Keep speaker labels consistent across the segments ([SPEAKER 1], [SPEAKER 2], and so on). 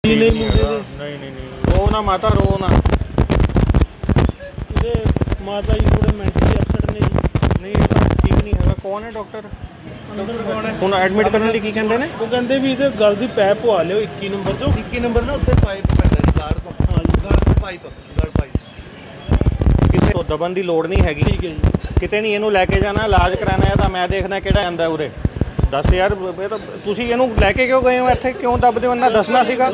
[SPEAKER 1] नहीं नहीं रो ना माता रो ना। माता जी थोड़े मैंटली अपसेट ने जी। नहीं ठीक नहीं है। कौन है डॉक्टर? ਹੁਣ ਐਡਮਿਟ ਕਰਨ ਲਈ ਕੀ ਕਹਿੰਦੇ ਨੇ? ਉਹ ਕਹਿੰਦੇ ਵੀ ਇਹਦੇ ਗਲ ਦੀ ਪੈਪ ਪਵਾ ਲਿਓ 21 ਨੰਬਰ ਚੋਂ।
[SPEAKER 2] 21 ਨੰਬਰ ਨਾ ਉੱਤੇ ਪਾਈਪ ਪੈਂਦਾ ਜੀ ਗਾਰ ਤੋਂ। ਹਾਂ ਜੀ ਗਾਰ ਤੋਂ ਪਾਈਪ ਗਲ ਪਾਈਪ।
[SPEAKER 1] ਕਿਸੇ ਤੋਂ ਦਬਨ ਦੀ ਲੋੜ ਨਹੀਂ ਹੈਗੀ। ਠੀਕ ਹੈ ਜੀ। ਕਿਤੇ ਨਹੀਂ ਇਹਨੂੰ ਲੈ ਕੇ ਜਾਣਾ, ਇਲਾਜ ਕਰਾਣਾ ਹੈ ਤਾਂ ਮੈਂ ਦੇਖਦਾ ਕਿਹੜਾ ਆਂਦਾ ਉਰੇ। ਦੱਸ ਯਾਰ ਇਹ ਤਾਂ ਤੁਸੀਂ ਇਹਨੂੰ ਲੈ ਕੇ ਕਿਉਂ ਗਏ ਹੋ ਇੱਥੇ? ਕਿਉਂ ਦੱਬਦੇ ਹੋ? ਇਹਨਾਂ ਦੱਸਣਾ ਸੀਗਾ।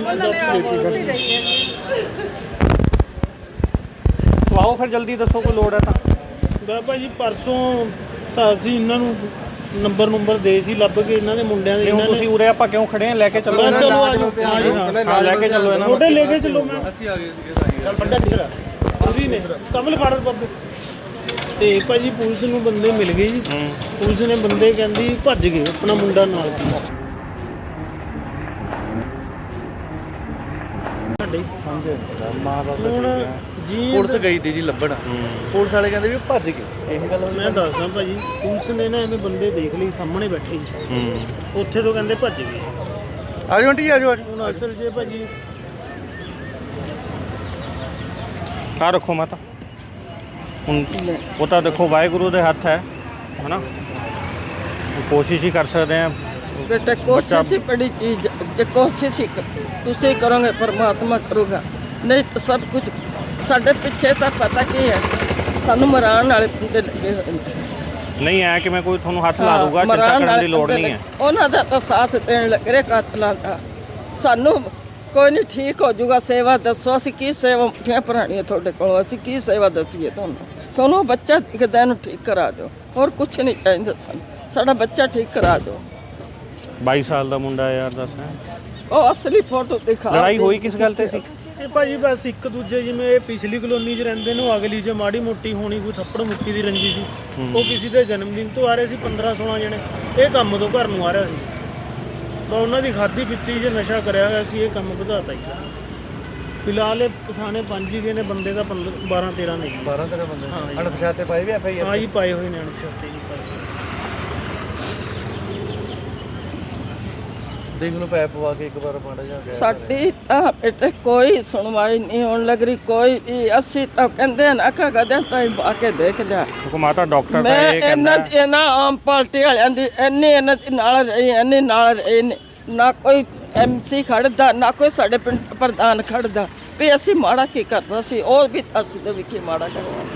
[SPEAKER 1] ਸਵਾਓ ਫਿਰ ਜਲਦੀ ਦੱਸੋ ਕੋਈ ਲੋੜ ਹੈ ਤਾਂ। ਬਾਬਾ ਜੀ ਪਰਸੋਂ ਅਸੀਂ ਇਹਨਾਂ ਨੂੰ ਨੰਬਰ ਦੇ ਸੀ ਲੱਭ ਕੇ ਇਹਨਾਂ ਦੇ ਮੁੰਡਿਆਂ ਦੇ। ਇਹਨਾਂ ਤੁਸੀਂ ਉਰੇ ਆਪਾਂ ਕਿਉਂ ਖੜੇ ਆ? ਲੈ ਕੇ ਚੱਲੋ ਇਹਨਾਂ ਨੂੰ। ਹਾਂ ਲੈ ਕੇ ਚੱਲੋ ਇਹਨਾਂ ਨੂੰ। ਛੋਟੇ ਲੈ ਕੇ ਚੱਲੋ। ਮੈਂ
[SPEAKER 2] ਅਸੀਂ ਆ ਗਏ ਸੀਗੇ
[SPEAKER 1] ਚੱਲ ਬੰਦਾ ਕਿੱਧਰ ਆ? ਤੁਸੀਂ ਨੇ ਕਮਲ ਫਾੜਰ ਬਾਬੇ ਤੇ ਭਾਜੀ ਪੁਲਿਸ ਨੂੰ ਬੰਦੇ ਮਿਲ ਗਏ ਜੀ। ਪੁਲਿਸ ਨੇ ਬੰਦੇ ਕਹਿੰਦੀ ਭੱਜ ਗਏ, ਆਪਣਾ ਮੁੰਡਾ ਨਾਲ ਸੀ ਹੁਣ ਜੀ।
[SPEAKER 2] ਪੁਲਿਸ ਗਈ ਤੀ ਜੀ ਲੱਭਣ। ਪੁਲਿਸ ਵਾਲੇ ਕਹਿੰਦੇ ਵੀ ਭੱਜ ਗਏ। ਇਹ ਗੱਲ
[SPEAKER 1] ਮੈਂ ਦੱਸਦਾ ਭਾਜੀ, ਪੁਲਿਸ ਨੇ ਨਾ ਐਵੇਂ ਬੰਦੇ ਦੇਖ ਲਈ ਸਾਹਮਣੇ ਬੈਠੇ ਜੀ। ਉੱਥੇ ਤੋਂ ਕਹਿੰਦੇ ਭੱਜ ਗਏ।
[SPEAKER 2] ਆਜੋ ਆਂਟੀ ਆਜੋ ਆਜੋ।
[SPEAKER 1] ਹੁਣ ਅਸਲ 'ਚ ਭਾਜੀ ਆ ਰੱਖੋ ਮਾਤਾ। ਹੁਣ ਉਹ ਤਾਂ ਦੇਖੋ ਵਾਹਿਗੁਰੂ ਦੇ ਹੱਥ ਹੈ ਨਾ। ਕੋਸ਼ਿਸ਼ ਹੀ ਕਰ ਸਕਦੇ ਆ
[SPEAKER 3] बेटा। कोशिश ही बड़ी चीज, जो कोशिश ही तुम करोगे परमात्मा करूँगा। नहीं तो सब कुछ साढ़े पिछे तो पता की है सानू मरान वाले बंदे लगे हुए
[SPEAKER 1] नहीं है कि मैं कोई थोनों हथ ला दूंगा। चिंता करने की लोड़ नहीं है।
[SPEAKER 3] उन्हों का तो साथ देने लग रहे कातलों का। सानू कोई नहीं ठीक हो जाऊगा। सेवा दसो असीं की सेवा मुठियां भरानियां तुहाडे कोलों। असीं की सेवा दसीए तुहानूं बच्चा दिखदा इहनूं ठीक करा दो। और कुछ नहीं चाहिए सानूं। साडा बच्चा ठीक करा दो।
[SPEAKER 1] 22 ਸਾਲ ਦਾ ਮੁੰਡਾ ਯਾਰ ਦੱਸ।
[SPEAKER 3] ਉਹ ਅਸਲੀ ਫੋਟੋ ਦਿਖਾ।
[SPEAKER 1] ਲੜਾਈ ਹੋਈ ਕਿਸ ਗੱਲ ਤੇ ਸੀ? ਇਹ ਭਾਜੀ ਬਸ ਇੱਕ ਦੂਜੇ ਜਿਵੇਂ ਇਹ ਪਿਛਲੀ ਕਲੋਨੀ 'ਚ ਰਹਿੰਦੇ ਨੇ, ਅਗਲੀ 'ਚ ਮਾੜੀ ਮੋਟੀ ਹੋਣੀ ਕੋਈ ਥੱਪੜ ਮੁੱਕੀ ਦੀ ਰੰਜੀ ਸੀ। ਉਹ ਕਿਸੇ ਦੇ ਜਨਮ ਦਿਨ ਤੋਂ ਆ ਰਹੇ ਸੀ 15-16 ਜਣੇ। ਇਹ ਕੰਮ ਤੋਂ ਘਰ ਨੂੰ ਆ ਰਿਹਾ ਸੀ ਤਾਂ ਉਹਨਾਂ ਦੀ ਖਾਦੀ ਪੀਤੀ 'ਚ ਨਸ਼ਾ ਕਰਿਆ ਹੋਇਆ ਸੀ। ਇਹ ਕੰਮ ਵਧਾਤਾ ਹੀ। ਫਿਲਹਾਲ ਇਹ ਪਛਾਣੇ 5 ਹੀ ਗਏ ਨੇ ਬੰਦੇ ਦਾ। 12-13 ਨੇ।
[SPEAKER 2] 12-13 ਬੰਦੇ ਅਣਪਛਾਤੇ ਪਾਏ ਵੀ FIR।
[SPEAKER 1] ਹਾਂ ਜੀ ਪਾਏ ਹੋਏ ਨੇ ਅਣਪਛਾਤੇ ਜੀ।
[SPEAKER 2] ਦੇਖ ਲਓ ਪੈਪ ਪਵਾ ਕੇ ਇੱਕ ਵਾਰ ਮਾੜਾ ਜਿਹਾ ਗਿਆ।
[SPEAKER 3] ਸਾਡੀ ਤਾਂ ਬੇਟੇ ਕੋਈ ਸੁਣਵਾਈ ਨਹੀਂ ਹੋਣ ਲੱਗ ਰਹੀ ਕੋਈ ਵੀ। ਅਸੀਂ ਤਾਂ ਕਹਿੰਦੇ ਨਾ ਕਿ ਕਦੇ ਤਾਂ ਆ ਕੇ ਦੇਖ ਲਿਆ।
[SPEAKER 1] ਮਾਤਾ ਡਾਕਟਰ ਤਾਂ ਇਹ
[SPEAKER 3] ਕਹਿੰਦਾ ਇਹਨਾਂ ਆਮ ਪਾਰਟੀ ਵਾਲਿਆਂ ਦੀ ਇੰਨੀ ਇਹਨਾਂ ਦੇ ਨਾਲ ਰਹੀ, ਇੰਨੀ ਨਾਲ ਰਹੇ ਨੇ। ਨਾ ਕੋਈ MC ਖੜਦਾ, ਨਾ ਕੋਈ ਸਾਡੇ ਪਿੰਡ ਪ੍ਰਧਾਨ ਖੜਦਾ ਵੀ ਅਸੀਂ ਮਾੜਾ ਕੀ ਕਰਨਾ ਸੀ। ਉਹ ਵੀ ਅਸੀਂ ਦੇ ਵੀ ਕੀ ਮਾੜਾ ਕਰਵਾ।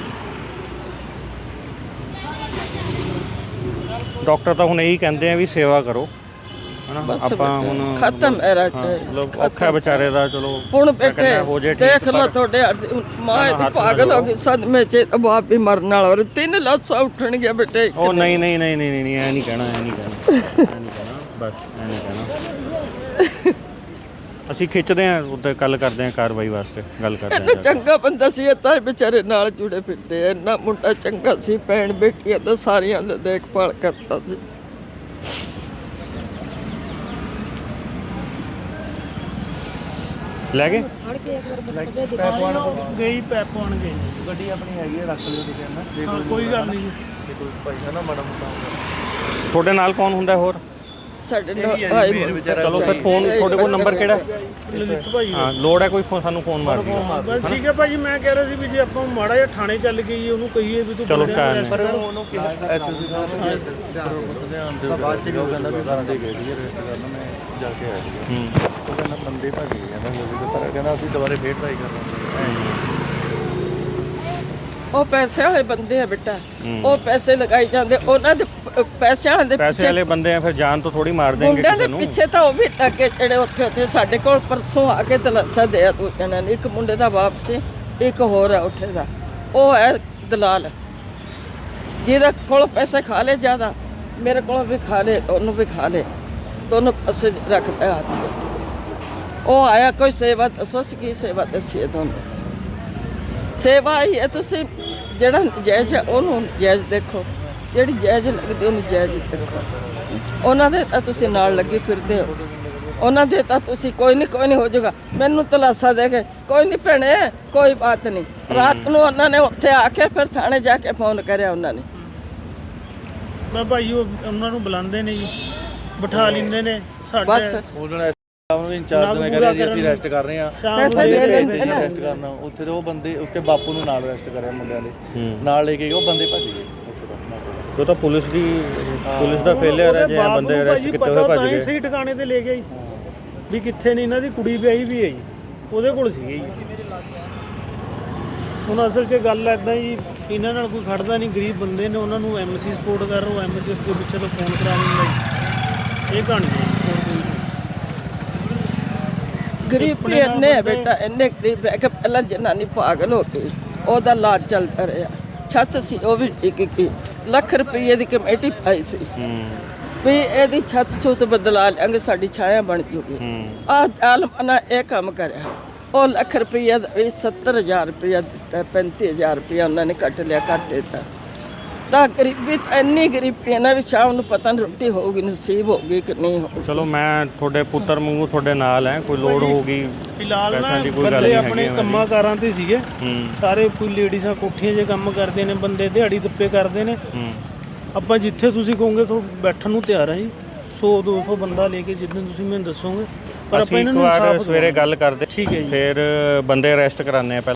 [SPEAKER 1] ਡਾਕਟਰ ਤਾਂ ਹੁਣ ਇਹੀ ਕਹਿੰਦੇ ਆ ਵੀ ਸੇਵਾ ਕਰੋ ਹਨਾ। ਆਪਾਂ ਹੁਣ
[SPEAKER 3] ਖਤਮ ਹੈ ਰਾਜ।
[SPEAKER 1] ਔਖਾ ਵਿਚਾਰੇ ਦਾ। ਚਲੋ
[SPEAKER 3] ਹੁਣ ਬੇਟੇ ਦੇਖ ਲਓ ਤੁਹਾਡੇ ਮਾਂ ਇਹਦੀ ਪਾਗਲ ਹੋ ਗਈ ਸਦਮੇ 'ਚ। ਬਾਪ ਵੀ ਮਰਨ ਵਾਲਾ। ਔਰ 3 ਲਾਸ਼ਾਂ ਉੱਠਣਗੀਆਂ ਬੇਟੇ।
[SPEAKER 1] ਉਹ ਨਹੀਂ ਐ ਨਹੀਂ ਕਹਿਣਾ ਬਸ ਐ ਨਹੀਂ ਕਹਿਣਾ। ਅਸੀਂ ਖਿੱਚਦੇ ਆਂ ਉੱਤੇ ਗੱਲ ਕਰਦੇ ਆਂ ਕਾਰਵਾਈ ਵਾਸਤੇ ਗੱਲ ਕਰਦੇ ਆਂ।
[SPEAKER 3] ਚੰਗਾ ਬੰਦਾ ਸੀ। ਤਾਂ ਵਿਚਾਰੇ ਨਾਲ ਜੁੜੇ ਫਿਰਦੇ ਆ। ਇੰਨਾ ਮੁੰਡਾ ਚੰਗਾ ਸੀ। ਭੈਣ ਬੇਟੀਆਂ ਦਾ ਸਾਰਿਆਂ ਦਾ ਦੇਖਭਾਲ ਕਰਦਾ ਸੀ।
[SPEAKER 1] ਲੈ ਗਏ
[SPEAKER 2] ਪੈਪ ਪਾਉਣ
[SPEAKER 1] ਗਈ ਪੈਪ ਪਾਉਣ ਗਏ।
[SPEAKER 2] ਗੱਡੀ ਆਪਣੀ ਹੈਗੀ ਹੈ, ਰੱਖ ਲਿਓ ਤੁਸੀਂ ਨਾ।
[SPEAKER 1] ਕੋਈ ਗੱਲ ਨਹੀਂ ਜੀ।
[SPEAKER 2] ਕੋਈ ਪੈਸਾ ਨਾ ਮਾੜਾ ਮੋਟਾ ਹੋਊਗਾ।
[SPEAKER 1] ਤੁਹਾਡੇ ਨਾਲ ਕੌਣ ਹੁੰਦਾ ਹੋਰ?
[SPEAKER 3] ਸਾਡੇ
[SPEAKER 2] ਚਲੋ
[SPEAKER 1] ਫਿਰ ਫੋਨ ਤੁਹਾਡੇ ਕੋਲ ਨੰਬਰ ਕਿਹੜਾ?
[SPEAKER 2] ਲਲਿਤ ਭਾਈ।
[SPEAKER 1] ਹਾਂ ਲੋੜ ਹੈ ਕੋਈ ਸਾਨੂੰ ਫੋਨ ਮਾਰ ਦਿਓ।
[SPEAKER 2] ਬਸ ਠੀਕ ਹੈ ਭਾਜੀ। ਮੈਂ ਕਹਿ ਰਿਹਾ ਸੀ ਵੀ ਜੇ ਆਪਾਂ ਮਾੜਾ ਜਿਹਾ ਥਾਣੇ ਚੱਲ ਗਏ ਉਹਨੂੰ ਕਹੀਏ ਵੀ ਤੂੰ
[SPEAKER 1] ਚਲੋ
[SPEAKER 2] ਪਰ ਉਹਨੂੰ ਕਿਹਾ SOC ਸਾਹਿਬ ਧਿਆਨ ਦਿਓ। ਬਾਅਦ ਚ ਉਹ ਕਹਿੰਦਾ ਵੀ ਬੰਦੇ ਗਏ ਸੀ ਰੈਸਟ ਕਰਨ। ਮੈਂ ਜਾ ਕੇ ਆਇਆ ਸੀ। ਉਹ ਕਹਿੰਦਾ ਬੰਦੇ ਭੱਜ ਗਏ। ਕਹਿੰਦਾ ਹੋ ਵੀ ਪਰ ਕਹਿੰਦਾ ਅਸੀਂ ਦੁਬਾਰੇ ਫੇਰ ਟਰਾਈ ਕਰਾਂਗੇ।
[SPEAKER 3] ਉਹ ਪੈਸੇ ਵਾਲੇ ਬੰਦੇ ਆ ਬੇਟਾ। ਉਹ ਪੈਸੇ ਲਗਾਈ ਜਾਂਦੇ। ਉਹਨਾਂ ਦੇ ਪੈਸਿਆਂ ਦੇ
[SPEAKER 1] ਪੈਸੇ ਵਾਲੇ ਬੰਦੇ ਆ ਫਿਰ ਜਾਨ ਤੋਂ ਥੋੜੀ ਮਾਰ ਦੇਣਗੇ
[SPEAKER 3] ਮੁੰਡਿਆਂ ਦੇ ਪਿੱਛੇ ਤਾਂ ਉਹ ਵੀ ਲੱਗੇ ਜਿਹੜੇ ਉੱਥੇ ਸਾਡੇ ਕੋਲ ਪਰਸੋਂ ਆ ਕੇ ਤਲਾਸ਼ਾ ਦੇ ਆ। ਦੋ ਜਣਾਂ ਨੇ। ਇੱਕ ਮੁੰਡੇ ਦਾ ਬਾਪ ਸੀ, ਇੱਕ ਹੋਰ ਹੈ ਉੱਥੇ ਦਾ। ਉਹ ਹੈ ਦਲਾਲ ਜਿਹਦੇ ਕੋਲ ਪੈਸੇ ਖਾ ਲੇ ਜ਼ਿਆਦਾ। ਮੇਰੇ ਕੋਲ ਵੀ ਖਾ ਲੇ, ਉਹਨੂੰ ਵੀ ਖਾ ਲੇ। ਦੋਨੋਂ ਪਾਸੇ ਰੱਖਦਾ ਹੱਥ। ਉਹ ਆਇਆ ਕੋਈ ਸੇਵਾ ਦੱਸੋ। ਕੀ ਸੇਵਾ ਦੱਸੀਏ ਤੁਹਾਨੂੰ? ਸੇਵਾ ਹੀ ਹੈ। ਤੁਸੀਂ ਜਿਹੜਾ ਜਾਇਜ਼ ਉਹਨੂੰ ਜਾਇਜ਼ ਦੇਖੋ, ਜਿਹੜੀ ਜਾਇਜ਼ ਲੱਗਦੀ ਉਹਨੂੰ ਜਾਇਜ਼ ਦੇਖੋ। ਉਹਨਾਂ ਦੇ ਤਾਂ ਤੁਸੀਂ ਨਾਲ ਲੱਗੇ ਫਿਰਦੇ ਹੋ। ਉਹਨਾਂ ਦੇ ਤਾਂ ਤੁਸੀਂ ਕੋਈ ਨਹੀਂ ਹੋ ਜਾਊਗਾ। ਮੈਨੂੰ ਤਲਾਸ਼ਾ ਦੇ ਕੇ ਕੋਈ ਨਹੀਂ ਭੈਣੇ ਕੋਈ ਬਾਤ ਨਹੀਂ। ਰਾਤ ਨੂੰ ਉਹਨਾਂ ਨੇ ਉੱਥੇ ਆ ਕੇ ਫਿਰ ਥਾਣੇ ਜਾ ਕੇ ਫੋਨ ਕਰਿਆ ਉਹਨਾਂ ਨੇ।
[SPEAKER 2] ਮੈਂ ਭਾਈ ਉਹਨਾਂ ਨੂੰ ਬੁਲਾਉਂਦੇ ਨੇ ਜੀ, ਬਿਠਾ ਲੈਂਦੇ ਨੇ
[SPEAKER 3] ਬਸ।
[SPEAKER 2] ਨੂੰ ਇੰਚਾਰਜ ਨੇ ਕਰਿਆ ਜੀ ਅਸੀਂ ਅਰੈਸਟ ਕਰ ਰਹੇ ਹਾਂ
[SPEAKER 1] ਸ਼ਾਮ ਨੂੰ
[SPEAKER 3] ਪੈਸੇ ਦੇ
[SPEAKER 1] ਦੇ
[SPEAKER 3] ਲੈਂਦੇ ਨੇ।
[SPEAKER 2] ਅਰੈਸਟ ਕਰਨਾ ਉੱਥੇ ਦੇ ਉਹ ਬੰਦੇ ਉਸਕੇ ਬਾਪੂ ਨੂੰ ਨਾਲ ਅਰੈਸਟ ਕਰਿਆ ਮੁੰਡਿਆਂ ਦੇ ਨਾਲ ਲੈ ਕੇ ਗਏ ਉਹ ਬੰਦੇ ਭੱਜ ਗਏ ਉੱਥੇ ਦਾ
[SPEAKER 4] ਉਹ ਤਾਂ ਪੁਲਿਸ ਦਾ ਫੇਲਿਅਰ ਹੈ ਜੇ ਬੰਦੇ ਅਰੈਸਟ ਕੀਤੇ ਹੋਏ ਭੱਜ
[SPEAKER 1] ਤਾਂ ਹੀ
[SPEAKER 4] ਗਏ।
[SPEAKER 1] ਸਹੀ ਟਿਕਾਣੇ ਤੇ ਲੈ ਗਿਆ ਜੀ ਵੀ ਕਿੱਥੇ ਨਹੀਂ ਇਹਨਾਂ ਦੀ ਕੁੜੀ ਵਿਆਹੀ ਵੀ ਹੈ ਜੀ ਉਹਦੇ ਕੋਲ ਸੀਗੇ ਜੀ। ਹੁਣ ਅਸਲ 'ਚ ਗੱਲ ਐਦਾਂ ਜੀ ਇਹਨਾਂ ਨਾਲ ਕੋਈ ਖੜਦਾ ਨਹੀਂ, ਗਰੀਬ ਬੰਦੇ ਨੇ, ਉਹਨਾਂ ਨੂੰ ਐਮਸੀ ਸਪੋਰਟ ਕਰ ਰਹੇ, ਐਮਸੀ ਦੇ ਪਿੱਛੇ ਤੋਂ ਫੋਨ ਕਰਾ ਲੈਂਦਾ ਜੀ। ਇਹ ਕਹਾਣੀ ਹੈ ਜੀ, ਹੋਰ ਕੋਈ ਨਹੀਂ।
[SPEAKER 3] ਗਰੀਬ ਵੀ ਇੰਨੇ ਹੈ ਬੇਟਾ, ਇੰਨੇ ਗਰੀਬ ਹੈ ਕਿ ਪਹਿਲਾਂ ਜਨਾਨੀ ਪਾਗਲ ਹੋ ਗਈ, ਉਹਦਾ ਇਲਾਜ ਚੱਲਦਾ ਰਿਹਾ। ਛੱਤ ਸੀ ਉਹ ਵੀ ਡਿੱਗ ਗਈ, ਲੱਖ ਰੁਪਏ ਦੀ ਕਮੇਟੀ ਪਾਈ ਸੀ ਵੀ ਇਹਦੀ ਛੱਤ ਛੁੱਤ ਬਦਲਾ ਲਿਆਂਗੇ, ਸਾਡੀ ਛਾਇਆ ਬਣ ਜੂਗੀ। ਆਹ ਆਲਮਨਾ ਇਹ ਕੰਮ ਕਰਿਆ, ਉਹ ਲੱਖ ਰੁਪਈਆ ਦਾ ਵੀ 70,000 ਰੁਪਇਆ ਦਿੱਤਾ, 35,000 ਰੁਪਇਆ ਉਹਨਾਂ ਨੇ ਕੱਟ ਲਿਆ, ਕੱਟ ਦਿੱਤਾ। ਤਾਂ ਗਰੀਬੀ ਤਾਂ ਇੰਨੀ ਗਰੀਬੀ ਹੈ ਨਾ ਵੀ ਸ਼ਾਮ ਨੂੰ ਪਤਾ ਨਹੀਂ ਰੋਟੀ ਹੋਊਗੀ ਨਸੀਬ ਹੋਊਗੀ ਕਿ ਨਹੀਂ ਹੋਊਗੀ।
[SPEAKER 4] ਚਲੋ ਮੈਂ ਤੁਹਾਡੇ ਪੁੱਤਰ ਵਾਂਗੂ ਤੁਹਾਡੇ ਨਾਲ ਹੈ, ਕੋਈ ਲੋੜ ਹੋਊਗੀ
[SPEAKER 1] ਫਿਲਹਾਲ ਨਾ
[SPEAKER 4] ਪੈਸਿਆਂ ਦੀ ਕੋਈ ਗੱਲ
[SPEAKER 1] ਬੰਦੇ
[SPEAKER 4] ਨਹੀਂ
[SPEAKER 1] ਆਪਣੇ
[SPEAKER 4] ਹੈਗੀ
[SPEAKER 1] ਕੰਮਾਂ ਕਾਰਾਂ ਤੇ ਸੀਗੇ ਸਾਰੇ, ਕੋਈ ਲੇਡੀਜ਼ਾਂ ਕੋਠੀਆਂ 'ਚ ਕੰਮ ਕਰਦੇ ਨੇ, ਬੰਦੇ ਦਿਹਾੜੀ ਦੱਪੇ ਕਰਦੇ ਨੇ। ਆਪਾਂ ਜਿੱਥੇ ਤੁਸੀਂ ਕਹੋਗੇ ਤੋਂ ਬੈਠਣ ਨੂੰ ਤਿਆਰ ਹਾਂ ਜੀ, 100-200 ਬੰਦਾ ਲੈ ਕੇ ਜਿੱਦਾਂ ਤੁਸੀਂ ਮੈਨੂੰ ਦੱਸੋਗੇ, ਪਰ ਆਪਾਂ
[SPEAKER 4] ਅਸੀਂ
[SPEAKER 1] ਇਹਨਾਂ
[SPEAKER 4] ਇੱਕ
[SPEAKER 1] ਨੂੰ
[SPEAKER 4] ਵਾਰ
[SPEAKER 1] ਇਨਸਾਫ
[SPEAKER 4] ਸਵੇਰੇ ਗੱਲ ਕਰਦੇ
[SPEAKER 1] ਠੀਕ ਹੈ ਜੀ।
[SPEAKER 4] ਫਿਰ ਬੰਦੇ ਅਰੈਸਟ ਕਰਾਉਂਦੇ ਆ।